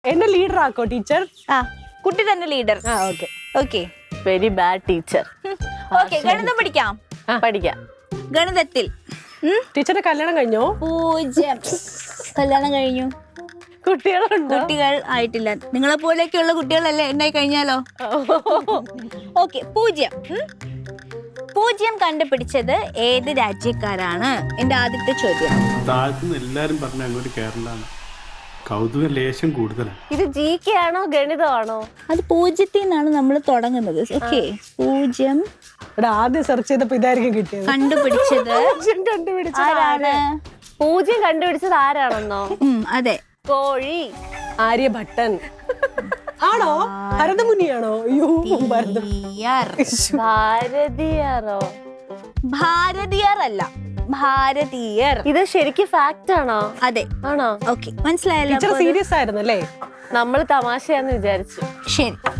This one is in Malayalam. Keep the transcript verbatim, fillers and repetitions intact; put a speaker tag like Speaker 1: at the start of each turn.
Speaker 1: എന്നെ ലീഡർ ആക്കോ ടീച്ചർ?
Speaker 2: ആ കുട്ടി തന്നെ ലീഡർ.
Speaker 1: ആ okay
Speaker 2: okay
Speaker 3: very bad teacher.
Speaker 2: Okay ഗണിതം പഠിക്കാം.
Speaker 3: പഠിക്കാം.
Speaker 2: ഗണിതത്തിൽ
Speaker 1: ടീച്ചറുടെ കല്യാണം കഴിഞ്ഞോ?
Speaker 2: പൂജ്യം. കല്യാണം കഴിഞ്ഞു.
Speaker 3: കുട്ടികളുണ്ടോ?
Speaker 2: കുട്ടികൾ ആയിട്ടില്ല. നിങ്ങളെ പോലെയൊക്കെയുള്ള കുട്ടികളല്ലേ ഉണ്ടായി കഴിഞ്ഞാലോ? ഓക്കെ പൂജ്യം. ഉം. പൂജ്യം കണ്ടുപിടിച്ചത് ഏത് രാജ്യക്കാരാണ്? എന്റെ ആദ്യത്തെ ചോദ്യം.
Speaker 4: താഴ്ത്തുന്ന എല്ലാരും പറഞ്ഞ അങ്ങോട്ട് കേരളാണ്. കൗതുക ലേശം കൂടുതലാണ്.
Speaker 3: ഇത് ജി കെ ആണോ ഗണിതമാണോ?
Speaker 2: അത് പൂജ്യത്തിൽ നിന്നാണ് നമ്മൾ തുടങ്ങുന്നത്. ഓക്കെ പൂജ്യം
Speaker 1: ഇവിടെ ആദ്യം സെർച്ച് ചെയ്തപ്പോ ഇതായിരിക്കും കിട്ടിയത്.
Speaker 2: കണ്ടുപിടിച്ചത്
Speaker 1: കണ്ടുപിടിച്ചത്
Speaker 2: ആരാണ്?
Speaker 3: പൂജ്യം കണ്ടുപിടിച്ചത് ആരാണെന്നോ?
Speaker 2: ഉം, അതെ
Speaker 3: കോഴി.
Speaker 1: ആര്യഭട്ടൻ ആണോ? ഭരതമുനിയാണോ? അയ്യോ ഭരതം.
Speaker 2: ഭാരതീയർ.
Speaker 3: ഭാരതീയറോ?
Speaker 2: ഭാരതീയർ അല്ല, ഭാരതീയർ.
Speaker 3: ഇത് ശരിക്കും ഫാക്റ്റ് ആണോ?
Speaker 2: അതെ.
Speaker 3: ആണോ?
Speaker 2: ഓക്കെ മനസ്സിലായല്ലോ.
Speaker 1: ടീച്ചർ സീരിയസ് ആയിരുന്നു അല്ലേ?
Speaker 3: നമ്മൾ തമാശയാന്ന് വിചാരിച്ചു.
Speaker 2: ശരി.